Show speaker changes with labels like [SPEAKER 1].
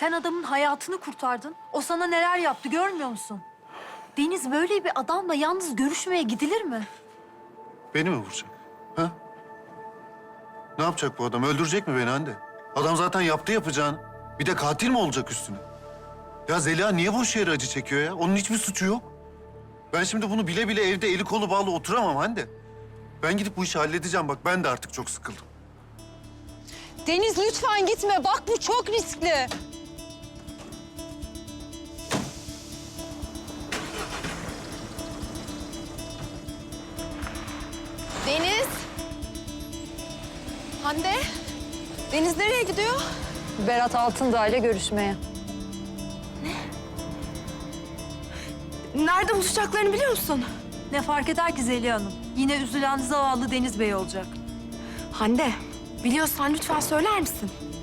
[SPEAKER 1] Sen adamın hayatını kurtardın. O sana neler yaptı görmüyor musun? Deniz böyle bir adamla yalnız görüşmeye gidilir mi?
[SPEAKER 2] Beni mi vuracak? Ha? Ne yapacak bu adam? Öldürecek mi beni Hande? Adam zaten yaptı yapacağını. Bir de katil mi olacak üstüne? Ya Zeliha niye boş yere acı çekiyor ya? Onun hiçbir suçu yok. Ben şimdi bunu bile bile evde eli kolu bağlı oturamam Hande. Ben gidip bu işi halledeceğim. Bak ben de artık çok sıkıldım.
[SPEAKER 3] Deniz lütfen gitme. Bak bu çok riskli. Deniz. Hande. Deniz nereye gidiyor?
[SPEAKER 1] Berat Altındağ ile görüşmeye.
[SPEAKER 3] Nerede buluşacaklarını biliyor musun?
[SPEAKER 1] Ne fark eder ki Zeliha Hanım? Yine üzülen zavallı Deniz Bey olacak.
[SPEAKER 3] Hande, biliyorsan lütfen söyler misin?